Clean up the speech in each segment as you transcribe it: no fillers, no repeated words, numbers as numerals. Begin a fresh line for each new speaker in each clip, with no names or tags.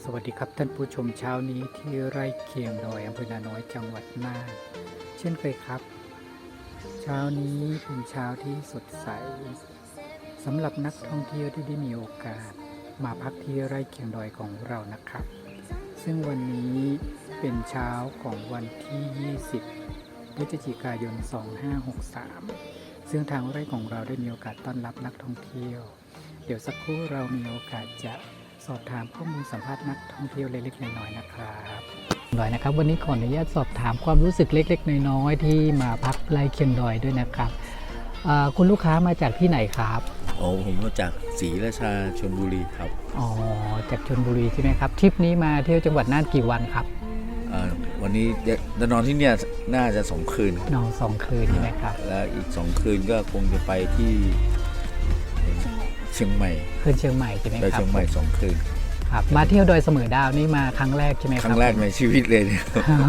สวัสดีครับท่านผู้ชมเช้านี้ที่ไร่เคียงดอยอำเภอนาน้อยจังหวัดน่านเช่นเคยครับ เช้านี้เป็นเช้าที่สดใสสำหรับนักท่องเที่ยวที่ได้มีโอกาสมาพักที่ไร่เคียงดอยของเรานะครับ ซึ่งวันนี้เป็นเช้าของวันที่ 20 พฤศจิกายน 2563 ซึ่งทางไร่ของเราได้มีโอกาสต้อนรับนักท่องเที่ยว เดี๋ยวสักครู่เรามีโอกาสจะสอบถามข้อมูลสัมภาษณ์นักท่องเที่ยวเล็กๆน้อยๆนะครับวันนี้ขออนุญาตสอบถามความรู้สึกเล็กๆน้อยๆที่มาพักไร่เคียงดอยด้วยนะครับคุณลูกค้ามาจากที่ไหนครับ
ผมมาจากศรีราชาชลบุรีครับ
อ๋อจากชลบุรีใช่ไหมครับทริปนี้มาเที่ยวจังหวัดน่านกี่วันครับ
วันนี้จะนอนที่เนี่ยน่าจะ2 คืน
นอน2 คืนใช่ไหมครับ
แล้วอีก2 คืนก็คงจะไปที่เชียงใหม่
คืนเชียงใหม่ใช่ไหม
ไป
ครับ
เชียงใหม่2 คืน
ครับมาเที่ยวดอยเสมอดาวนี่มาครั้งแรกใช่ไหมครับ
ครั้งแรกในชีวิตเลยเนี่ย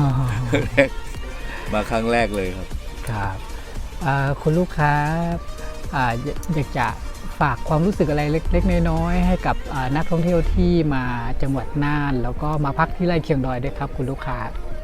มาครั้งแรกเลยครับ
ครับคุณลูกค้าอยากจะฝากความรู้สึกอะไรเล็กๆน้อยๆให้กับนักท่องเที่ยวที่มาจังหวัดน่านแล้วก็มาพักที่ไร่เคียงดอยด้วยครับคุณลูกค้า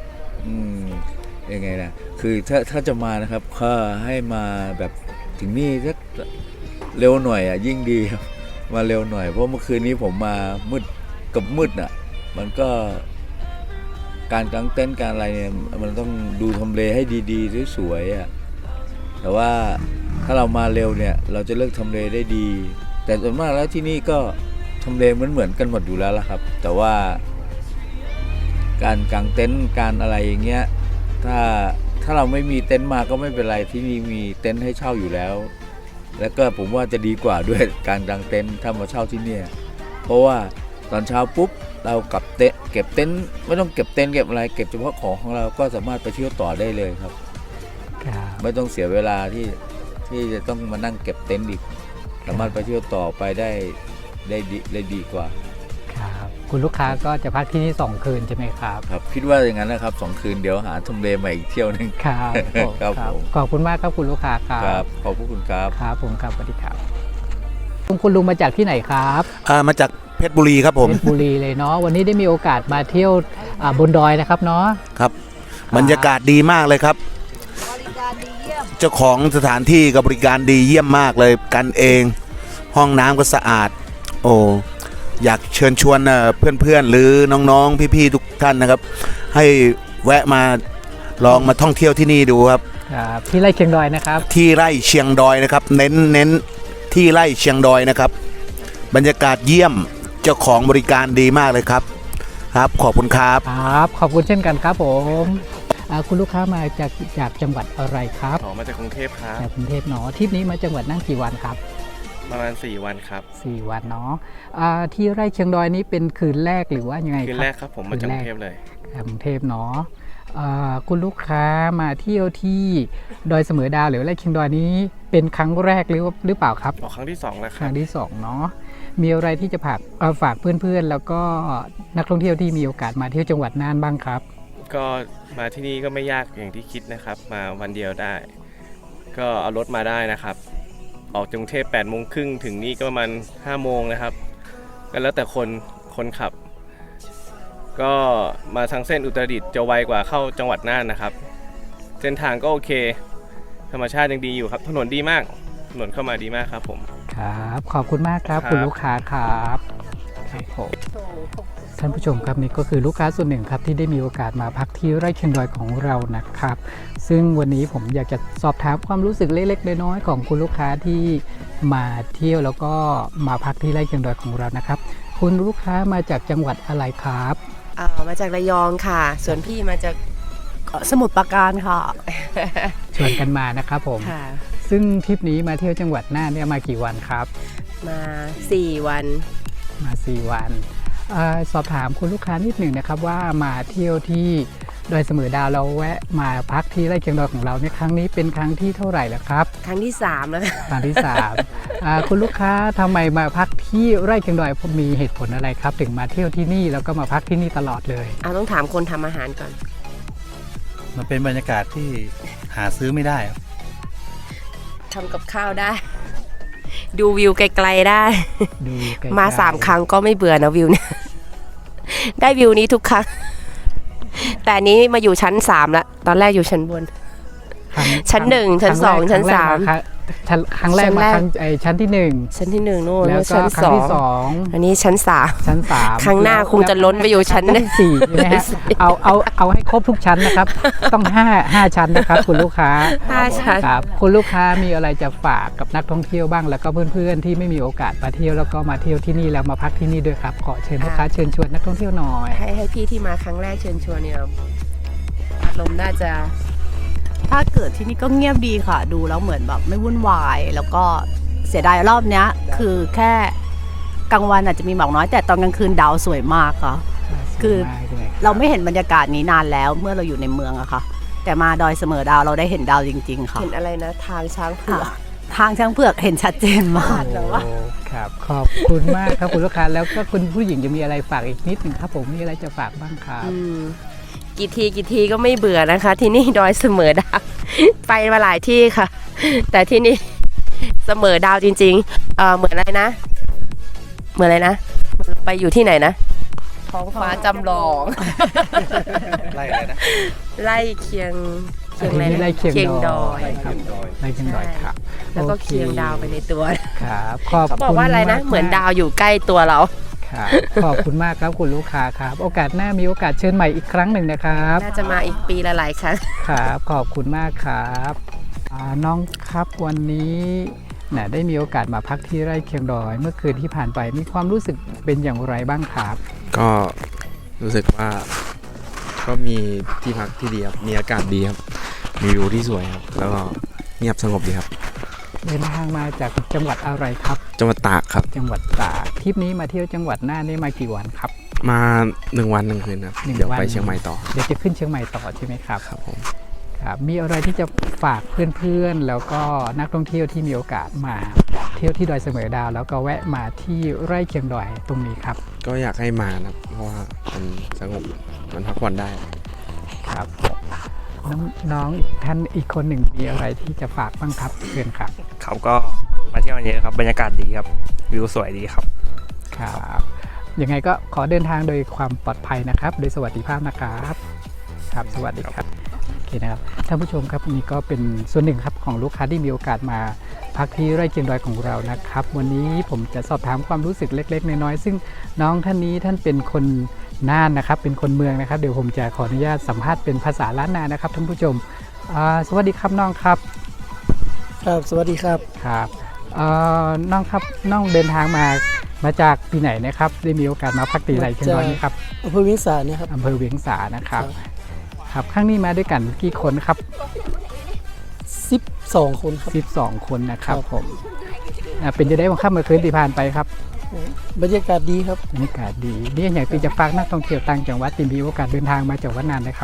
ยังไงนะคือถ้าจะมานะครับก็ให้มาแบบถึงนี่สักเร็วหน่อยยิ่งดีครับมาเร็วหน่อยเพราะเมื่อคืนนี้ผมมามืดมันก็การกางเต็นท์การอะไรเนี่ยมันต้องดูทำเลให้ดีๆสวยๆแต่ว่าถ้าเรามาเร็วเนี่ยเราจะเลือกทำเลได้ดีแต่ส่วนมากแล้วที่นี่ก็ทำเลเหมือนกันหมดอยู่แล้วล่ะครับแต่ว่าการกางเต็นท์การอะไรอย่างเงี้ยถ้าเราไม่มีเต็นท์มาก็ไม่เป็นไรที่นี่มีเต็นท์ให้เช่าอยู่แล้วแล้วก็ผมว่าจะดีกว่าด้วยการกางเต็นท์ถ้ามาเช่าที่นี่เพราะว่าตอนเช้าปุ๊บเราเก็บเต็นท์ไม่ต้องเก็บเต็นท์เก็บอะไรเก็บเฉพาะของเราก็สามารถไปเที่ยวต่อได้เลยครับไม่ต้องเสียเวลาที่จะต้องมานั่งเก็บเต็นท์อีกสามารถไปเที่ยวต่อไปได้ดีกว่า
ครับคุณลูกค้าก็จะพักที่นี่2 คืนใช่ไหมครับ
ครับคิดว่าอย่างนั้นนะครับ2 คืนเดี๋ยวหาทำเลใหม่อีกเที่ยวนึง
ครับขอบคุณมากครับคุณลูกค้า
ครับขอบคุณครับ
ครับผมครับสวัสดีครับคุณลุงมาจากที่ไหนครับ
มาจากเพชรบุรีครับผม
เพชรบุรีเลยเนาะวันนี้ได้มีโอกาสมาเที่ยวบนดอยนะครับเนาะ
ครับบรรยากาศดีมากเลยครับเจ้าของสถานที่กับบริการดีเยี่ยมมากเลยกันเองห้องน้ำก็สะอาดอยากเชิญชวนเพื่อนๆหรือน้องๆพี่ๆทุกท่านนะครับให้แวะมาลองมาท่องเที่ยวที่นี่ดูครับ
ที่ไร่เชียงดอยนะครับ
ที่ไร่เชียงดอยนะครับเน้นที่ไร่เชียงดอยนะครับบรรยากาศเยี่ยมเจ้าของบริการดีมากเลยครับครับขอบคุณครับ
ครับขอบคุณเช่นกันครับผมคุณลูกค้ามาจากจังหวัดอะไรครับ
มาจากกรุงเทพครับ
จากกรุงเทพเนาะทริปนี้มาจังหวัดน่านกี่วันครับ
ประมาณ4 วันครับ
4 วันเนาะที่ไร่เชียงดอยนี้เป็นคืนแรกหรือว่ายังไงครับ
คืนแรกครับผมมาจากกรุงเทพเลย
กรุงเทพเนาะคุณลูกค้ามาเที่ยวที่ดอยเสมอดาวหรือไร่เชียงดอยนี้เป็นครั้งแรกหรือเปล่าครับ
ครั้งที่2แล้วครับ
ครั้งที่2เนาะมีอะไรที่จะฝากเพื่อนๆแล้วก็นักท่องเที่ยวที่มีโอกาสมาเที่ยวจังหวัดน่านบ้างครับ
ก็มาที่นี่ก็ไม่ยากอย่างที่คิดนะครับมาวันเดียวได้ก็เอารถมาได้นะครับออกจากกรุงเทพ8:30ถึงนี่ก็ประมาณ5 โมงนะครับก็แล้วแต่คนขับก็มาทางเส้นอุตรดิตถ์จะไวกว่าเข้าจังหวัดน่านนะครับเส้นทางก็โอเคธรรมชาติยังดีอยู่ครับถนนดีมากถนนเข้ามาดีมากครับผม
ครับขอบคุณมากครับคุณลูกค้าครับผมท่านผู้ชมครับนี่ก็คือลูกค้าส่วนหนึ่งครับที่ได้มีโอกาสมาพักที่ไร่เชียงดอยของเรานะครับซึ่งวันนี้ผมอยากจะสอบถามความรู้สึกเล็กๆน้อยๆของคุณลูกค้าที่มาเที่ยวแล้วก็มาพักที่ไร่เชียงดอยของเรานะครับคุณลูกค้ามาจากจังหวัดอะไรครับ
มาจากระยองค่ะส่วนพี่มาจากสมุทรปราการค่ะ
ชวนกันมานะครับผมซึ่งทริปนี้มาเที่ยวจังหวัดน่านเนี่ยมากี่วันครับ
มา4 วัน
มา4 วันสอบถามคุณลูกค้านิดหนึ่งนะครับว่ามาเที่ยวที่ดอยเสมอดาวเราแวะมาพักที่ไร่เชียงดอยของเราเนี่ยครั้งนี้เป็นครั้งที่เท่าไหร่แล้วครับ
ครั้งที่3แล้ว
ครั้งที่3คุณลูกค้าทำไมมาพักที่ไร่เชียงดอยมีเหตุผลอะไรครับถึงมาเที่ยวที่นี่แล้วก็มาพักที่นี่ตลอดเลย
ต้องถามคนทำอาหารก่อน
มันเป็นบรรยากาศที่หาซื้อไม่ได้
ทำกับข้าวได้ดูวิวไกลๆได้มา3 ครั้งก็ไม่เบื่อนะวิวเนี่ยได้วิวนี้ทุกครั้ง แต่อันนี้มาอยู่ชั้น3แล้วตอนแรกอยู่ชั้นบน ชั้น1ชั้น2ชั้น3
ครั้งแรกมาชั้นที่
ชั้นที่1โน่น
1แล้วก็
ชั้น
ครั้งที่
2อันนี้ชั้น3
ชั้น3
ครั้งหน้าคงจะล้นไปอยู่ชั้น
4ใช่ไหมฮะเอาให้ครบทุกชั้นนะครับ ต้อง5ชั้นนะครับคุณลูกค้า
5 ชั้น
ครับคุณลูกค้ามีอะไรจะฝากกับนักท่องเที่ยวบ้างแล้วก็เพื่อนๆที่ไม่มีโอกาสมาเที่ยวแล้วก็มาเที่ยวที่นี่แล้วมาพักที่นี่ด้วยครับขอเชิญลูกค้าเชิญชวนนักท่องเที่ยวหน่อย
ให้พี่ที่มาครั้งแรกเชิญชวนเนี่ยอารมณ์น่าจะ
ถ้าเกิดที่นี่ก็เงียบดีค่ะ ดูแล้วเหมือนแบบไม่วุ่นวาย แล้วก็เสียดายรอบเนี้ย คือแค่กลางวันอาจจะมีหมอกน้อย แต่ตอนกลางคืนดาวสวยมากค่ะ คือ เราไม่เห็นบรรยากาศนี้นานแล้วเมื่อเราอยู่ในเมืองอะค่ะ แต่มาดอยเสมอดาวเราได้เห็นดาวจริง ๆ ค่ะ
เห็นอะไรนะทางช้างเผือก
ทางช้างเผือกเห็นชัดเจนมาก
โอ้ครับขอบคุณมากครับคุณลูกค้าแล้วก็คุณผู้หญิงจะมีอะไรฝากอีกนิดหนึ่งครับผมมีอะไรจะฝากบ้างครับ
กี่ทีก็ไม่เบื่อนะคะ ที่นี่ดอยเสมอดาว ไปมาหลายที่ค่ะ แต่ที่นี่เสมอดาวจริงๆเหมือนอะไรนะเหมือนอะไรนะไปอยู่ที่ไหนนะท้องฟ้าจำลอง
ไล่อะไรนะ
ไล่เคียง
อะไรนะไล่เคียงดอย
ครับ
ไล่เคียงดอยครับ
แล้วก็
โอ
เคียงดาวไปในตัว
ครับขอบ
เขาบอก
คุณ
ว่าอะไรนะ
กๆ
เหมือนดาวอยู่ใกล้ตัวเรา
ครับขอบคุณมากครับคุณลูกค้าครับ โอกาสหน้ามีโอกาสเชิญใหม่อีกครั้งหนึ่งนะครับ
น่าจะมาอีกปีละหลายครั้ง
ครับขอบคุณมากครับน้องครับวันนี้ได้มีโอกาสมาพักที่ไร่เคียงดอย เมื่อคืนที่ผ่านไปมีความรู้สึกเป็นอย่างไรบ้างครับ
ก็รู้สึกว่าก็มีที่พักที่ดีครับ มีอากาศดีครับ มีวิวที่สวยครับ แล้วก็เงียบสงบดีครับ
เดินทางมาจากจังหวัดอะไรครับ
จังหวัดตากครับ
จังหวัดตากทริปนี้มาเที่ยวจังหวัดน่านนี่มากี่วันครับ
มา1 วัน 1 คืนครับ
1
เดี๋ยว
วัน
ไปเชียงใหม่ต่อ
เดี๋ยวจะขึ้นเชียงใหม่ต่อใช่ไหมครับ
ครับผม
ครับมีอะไรที่จะฝากเพื่อนๆแล้วก็นักท่องเที่ยวที่มีโอกาสมาเที่ยวที่ดอยเสมอดาวแล้วก็แวะมาที่ไร่เคียงดอยตรงนี้ครับ
ก็อยากให้มานะครับ เพราะว่ามันสงบ มันพักผ่อนได้
ครับน้องๆท่านอีกคนหนึ่งมีอะไรที่จะฝากบ้างครับเชิญครับ
ครับก็มาเที่ยววันนี้ครับบรรยากาศดีครับวิวสวยดีครับ
ครับยังไงก็ขอเดินทางโดยความปลอดภัยนะครับโดยสวัสดิภาพนะครับครับสวัสดีครับโอเคนะครับท่านผู้ชมครับนี่ก็เป็นส่วนหนึ่งครับของลูกค้าที่มีโอกาสมาพักที่ไร่เคียงดอยของเรานะครับวันนี้ผมจะสอบถามความรู้สึกเล็กๆน้อยๆซึ่งน้องท่านนี้ท่านเป็นคนน่านนะครับเป็นคนเมืองนะครับเดี๋ยวผมจะขออนุญาตสัมภาษณ์เป็นภาษาล้านนานะครับท่านผู้ชมสวัสดีครับน้องครับ
ครับสวัสดีครับ
ครับน้องครับน้องเดินทางมาจากที่ไหนนะครับได้มีโอกาสมาพักตีไร่เคียงดอยนี่ครับ
อำเภอเวียงสาเนี่ยครับ
อำเภอเวียงสานะครับครับครั้งนี้มาด้วยกันกี่คนครับ
12 คนครับ
12 คนนะครับ
ครับ
ผมเป็นจะได้วันค่ำเมื่อคืนที่ผ่านไปครับ
บรรยากาศดีครับ
บรรยากาศดีนี่อย่างที่จะฝากนักท่องเที่ยวต่างจังหวัดที่มีโอกาสเดินทางมาจากวัดนานนะครับ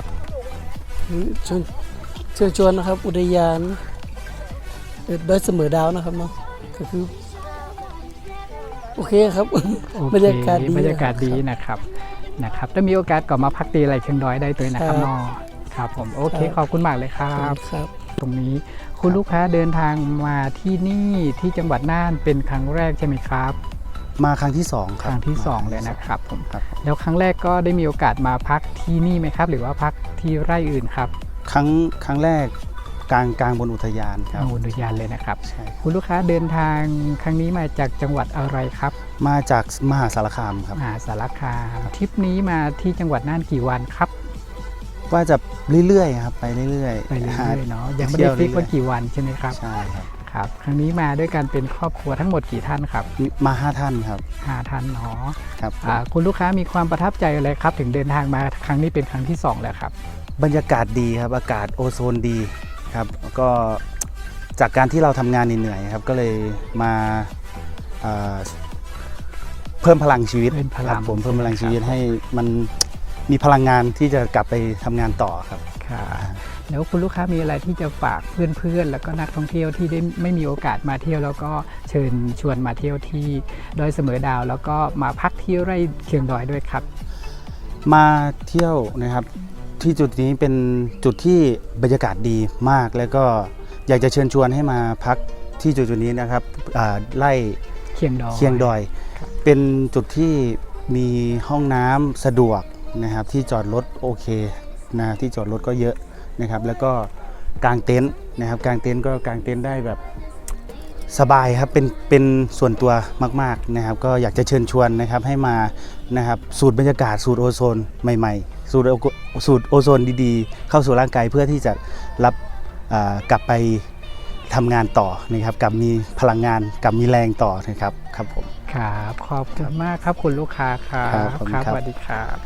เชิญชวนนะครับ อุทยานดอยเสมอดาวนะครับเนาะก็คือโอเคครับ
โอเค
บรรยากาศดี
บรรยากาศดีนะครับถ้ามีโอกาสก็มาพักตีไร่เคียงดอยได้ตัวนะครับ
ครับ
น้องครับผมโอเค
ครับ
ขอบคุณมากเลยครับ
ครับ
ตรงนี้คุณลูกค้าเดินทางมาที่นี่ที่จังหวัดน่านเป็นครั้งแรกใช่ไหมครับ
มาครั้งที่2ค
ครับ รั้งที่ 2 เลยนะครับผม
ครับ
แล้วครั้งแรกก็ได้มีโอกาสมาพักที่นี่ไหมครับ หรือว่าพักที่ไร่อื่นครับ
ครั้งแรกกลางบนอุทยานครับ
อุทยานเลยนะครับ
ใช่
คุณลูกค้าเดินทางครั้งนี้มาจากจังหวัดอะไรครับ
มาจากมหาสารคามครับ
มหาสารคามทริปนี้มาที่จังหวัดน่านกี่วันครับ
ว่าจะเรื่อยๆครับไปเรื่อยๆ
ไปเรื่
หา
อยๆเนาะยังไม่ได้ฟิกว่า
เที่ยว
กี่วันใช่ไหมครับ
ใช่ครับ
ครับครั้งนี้มาด้วยกันเป็นครอบครัวทั้งหมดกี่ท่านครับ
มา5ท่านครับ
5 ท่านเนาะ
ครับ
คุณลูกค้ามีความประทับใจอะไรครับ ถึงเดินทางมาครั้งนี้เป็นครั้งที่ 2 แล้วครับ
บรรยากาศดีครับอากาศโอโซนดีครับก็จากการที่เราทำงานเหนื่อยๆครับก็เลยมาเพิ่มพลังชีวิต
เพิ่มพลัง
ครับผมเพิ่มพลังชีวิต
ครับ
ให้มันมีพลังงานที่จะกลับไปทำงานต่อครับ
ค่ะแล้วคุณลูกค้ามีอะไรที่จะฝากเพื่อนๆแล้วก็นักท่องเที่ยวที่ได้ไม่มีโอกาสมาเที่ยวแล้วก็เชิญชวนมาเที่ยวที่ดอยเสมอดาว แล้วก็มาพักที่ไร่เคียงดอยด้วยครับ
มาเที่ยวนะครับที่จุดนี้เป็นจุดที่บรรยากาศดีมากแล้วก็อยากจะเชิญชวนให้มาพักที่จุดนี้นะครับไร่
เคียงดอย
เคียงดอย เป็นจุดที่มีห้องน้ำสะดวกนะครับที่จอดรถโอเคนะที่จอดรถก็เยอะนะครับแล้วก็กางเต็นท์นะครับกางเต็นท์ก็กางเต็นท์ได้แบบสบายครับเป็นส่วนตัวมากๆนะครับก็อยากจะเชิญชวนนะครับให้มานะครับสูดบรรยากาศสูดโอโซนใหม่ๆสูดโอโซนดีๆเข้าสู่ร่างกายเพื่อที่จะรับกลับไปทำงานต่อนะครับกับมีพลังงานกับมีแรงต่อนะครับครับผม
ครับขอบคุณมากครับคุณลูกค้าครับ
ครับขอบคุณครับ
สวัสดีครับ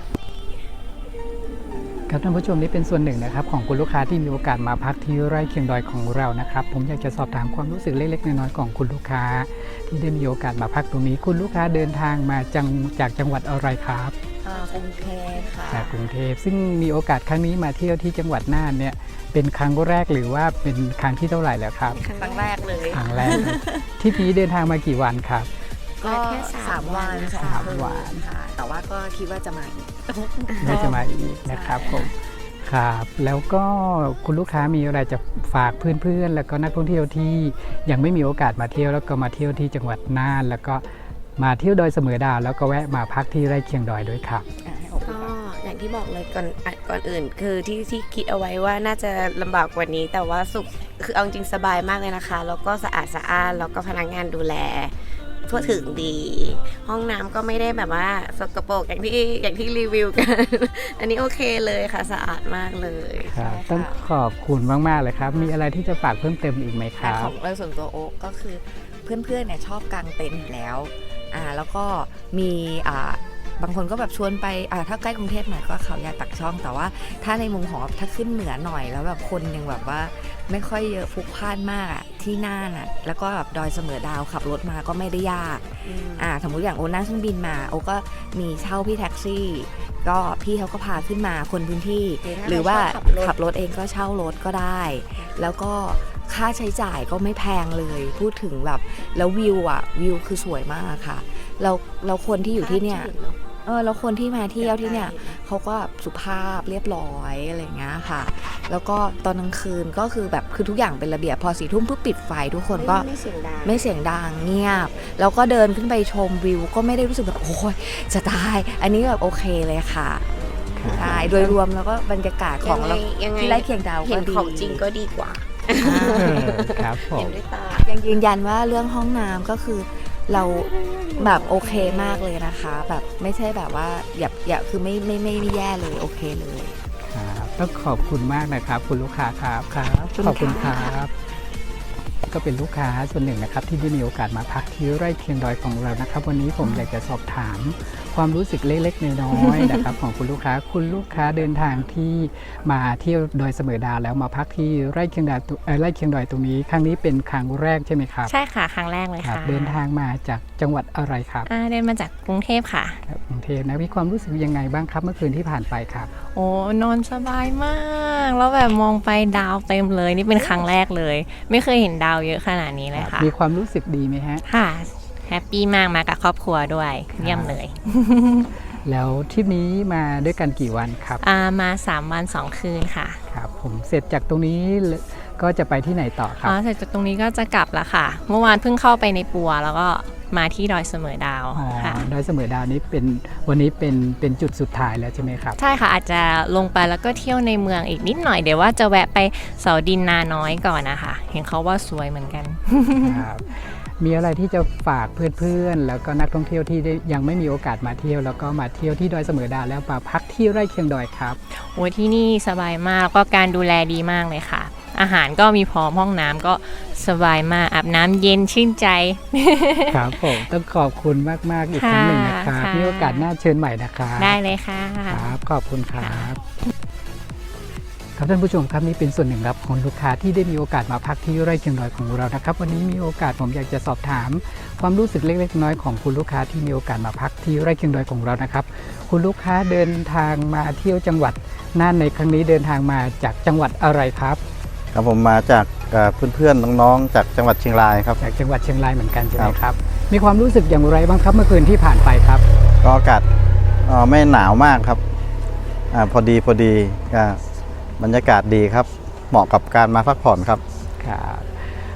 ครับท่านผู้ชมนี่เป็นส่วนหนึ่งนะครับของคุณลูกค้าที่มีโอกาสมาพักที่ไร่เคียงดอยของเรานะครับผมอยากจะสอบถามความรู้สึกเล็กๆน้อยๆของคุณลูกค้าที่ได้มีโอกาสมาพักตรงนี้คุณลูกค้าเดินทางมาจากจังหวัดอะไรครับ
กรุงเทพค่ะ
จากกรุงเทพซึ่งมีโอกาสครั้งนี้มาเที่ยวที่จังหวัดน่านเนี่ยเป็นครั้งแรกหรือว่าเป็นครั้งที่เท่าไหร่แล้วครับ
ครั้งแรกเลย
ครั้งแรกเลยทริปนี้เดินทางมากี่วันครับ
ก็แค่3 วัน
สามวัน
ค่ะ แต่ว่าก็คิดว่าจะมาอีก
น่าจะมาอีกนะครับผมครับแล้วก็คุณลูกค้ามีอะไรจะฝากเพื่อนๆแล้วก็นักท่องเที่ยวที่ยังไม่มีโอกาสมาเที่ยวแล้วก็มาเที่ยวที่จังหวัดน่านแล้วก็มาเที่ยวดอยเสมอดาวแล้วก็แวะมาพักที่ไร่เคียงดอยด้วยครับ
ก็อย่างที่บอกเลยก่อนอื่นคือที่คิดเอาไว้ว่าน่าจะลำบากกว่านี้ แต่ว่าคือเอาจริงสบายมากเลยนะคะ แล้วก็สะอาดสะอ้านแล้วก็พนักงานดูแลทั่วถึงดี ห้องน้ำก็ไม่ได้แบบว่าสกปรกอย่างที่รีวิวกัน อันนี้โอเคเลยค่ะสะอาดมากเลย
ครับ
ใช่ค่ะ
ต้องขอบคุณมากๆเลยครับมีอะไรที่จะฝากเพิ่มเติมอีกไหมค
แต่
รั
ข
บ
องโดยส่วนตัวโอ๊กก็คือเพื่อนๆเนี่ยชอบกางเต็นท์อยู่แล้วแล้วก็มีบางคนก็แบบชวนไปถ้าใกล้กรุงเทพหน่อยก็เขาใหญ่ปักช่อง แต่ว่าถ้าในมุมของถ้าขึ้นเหนือหน่อยแล้วแบบคนยังแบบว่าไม่ค่อยเยอะพลุกพล่านมากที่น่านแล้วก็แบบดอยเสมอดาวขับรถมาก็ไม่ได้ยากสมมุติอย่างโอนั่งเครื่องบินมาโอก็มีเช่าพี่แท็กซี่ก็พี่เขาก็พาขึ้นมาคนพื้นที่หรือว่าขับรถเองก็เช่ารถก็ได้ แล้วก็ค่าใช้จ่ายก็ไม่แพงเลยพูดถึงแบบแล้ววิวคือสวยมากค่ะเราคนที่อยู่ที่เนี่ยแล้วคนที่มาเที่ยวที่เนี่ยเขาก็สุภาพเรียบร้อยอะไรอย่างเงี้ยค่ะแล้วก็ตอนกลางคืนก็คือแบบคือทุกอย่างเป็นระเบียบพอ4 ทุ่มปุ๊บปิดไฟทุกคนก็ไม่เสียงดังเงียบแล้วก็เดินขึ้นไปชมวิวก็ไม่ได้รู้สึกแบบโอ้ยจะตายอันนี้แบบโอเคเลยค่ะใช่โดยรวมแล้วก็บรรยากาศของเราที่ไร่เคียงดาวก็ดี
เห็นของจริงก็ดีกว่า
ครับผม
เห็นด้วยตา
ยังยืนยันว่าเรื่องห้องน้ำก็คือเราแบบโอเคมากเลยนะคะแบบไม่ใช่แบบว่าอย่าคือไม่แย่เลยโอเคเลย
ครับต้องขอบคุณมากนะครับคุณลูกค้าครับขอบคุณครับก็เป็นลูกค้าส่วนหนึ่งนะครับที่ได้มีโอกาสมาพักที่ไร่เคียงดอยของเรานะครับวันนี้ผมอยากจะสอบถามความรู้สึกเล็กๆน้อยๆนะครับของคุณลูกค้าเดินทางที่มาเที่ยวดอยเสมอดาวแล้วมาพักที่ไร่เคียงดอยตรงนี้ครั้งนี้เป็นครั้งแรกใช่ไหมครับ
ใช่ค่ะครั้งแรกเลยค่ะ
เดินทางมาจากจังหวัดอะไรครับ
เดินมาจากกรุงเทพค่ะ
กรุงเทพนะมีความรู้สึกยังไงบ้างครับเมื่อคืนที่ผ่านไปครับ
โอ้นอนสบายมากแล้วแบบมองไปดาวเต็มเลยนี่เป็นครั้งแรกเลย ไม่เคยเห็นดาวเยอะขนาดนี้เลยค่ะ
มีความรู้สึกดีไหมฮะ
ค่ะแฮปปี้มากมากับครอบครัวด้วยเยี่ยมเลย
แล้วทริปนี้มาด้วยกันกี่วันครับ
มา3 วัน 2 คืนค่ะ
ครับผมเสร็จจากตรงนี้ก็จะไปที่ไหนต่อครับ
เสร็จจากตรงนี้ก็จะกลับละค่ะ เมื่อวานเพิ่งเข้าไปในปัวแล้วก็มาที่ดอยเสมอดาวค่ะ
ดอยเสมอดาวนี้วันนี้เป็นจุดสุดท้ายแล้วใช่ไหมครับ
ใช่ค่ะอาจจะลงไปแล้วก็เที่ยวในเมืองอีกนิดหน่อยเดี๋ยวว่าจะแวะไปเสาดินนาน้อยก่อนนะคะเห็นเขาว่าสวยเหมือนกัน
ครับมีอะไรที่จะฝากเพื่อนๆแล้วก็นักท่องเที่ยวที่ยังไม่มีโอกาสมาเที่ยวแล้วก็มาเที่ยวที่ดอยเสมอดาวแล้วมาพักที่ไร่เคียงดอยครับ
โอ้ที่นี่สบายมากแล้วก็การดูแลดีมากเลยค่ะอาหารก็มีพร้อมห้องน้ำก็สบายมากอาบน้ำเย็นชื่นใจ
ครับผมต้องขอบคุณมากๆอีกครั้งหนึ่งนะครับมีโอกาสหน้าเชิญใหม่นะครับ
ได้เลยค่ะ
ครับขอบคุณครับครับท่านผู้ชมครับนี่เป็นส่วนหนึ่งครับของลูกค้าที่ได้มีโอกาสมาพักที่ไร่เคียงดอยของเรานะครับวันนี้มีโอกาสผมอยากจะสอบถามความรู้สึกเล็กๆน้อยๆของคุณลูกค้าที่มีโอกาสมาพักที่ไร่เคียงดอยของเรานะครับคุณลูกค้าเดินทางมาเที่ยวจังหวัดน่านในครั้งนี้เดินทางมาจากจังหวัดอะไรครับ
ครับผมมาจากเพื่อนๆน้องๆจากจังหวัดเชียงรายครับ
จากจังหวัดเชียงรายเหมือนกันใช่ไหมครับมีความรู้สึกอย่างไรบ้างครับเมื่อคืนที่ผ่านไปครับ
ก็อากาศไม่หนาวมากครับพอดีก็บรรยากาศดีครับเหมาะกับการมาพักผ่อนครับ
ครับ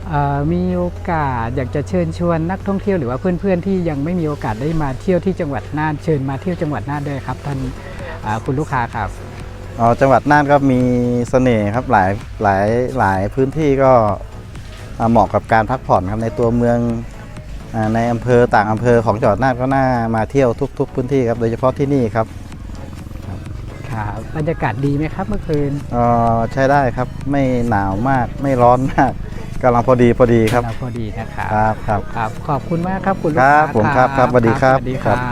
มีโอกาสอยากจะเชิญชวนนักท่องเที่ยวหรือว่าเพื่อนๆที่ยังไม่มีโอกาสได้มาเที่ยวที่จังหวัดน่านเชิญมาเที่ยวจังหวัดน่านด้วยครับท่านคุณลูกค้าครับ
จังหวัดน่านก็มีเสน่ห์ครับหลายพื้นที่ก็เหมาะกับการพักผ่อนครับในตัวเมืองในอำเภอต่างอำเภอของจังหวัดน่านก็น่ามาเที่ยวทุกพื้นที่ครับโดยเฉพาะที่นี่ครับ
ครับบรรยากาศดีไหมครับเมื่อคืน
ใช้ได้ครับไม่หนาวมากไม่ร้อนมากกำลังพอดีครับ
พอดีนะครับ
ครับ
ขอบคุณมากครับคุณลูก
ครั
ค้า
บผมครับสวัสดีครับ
สวัสดีครับ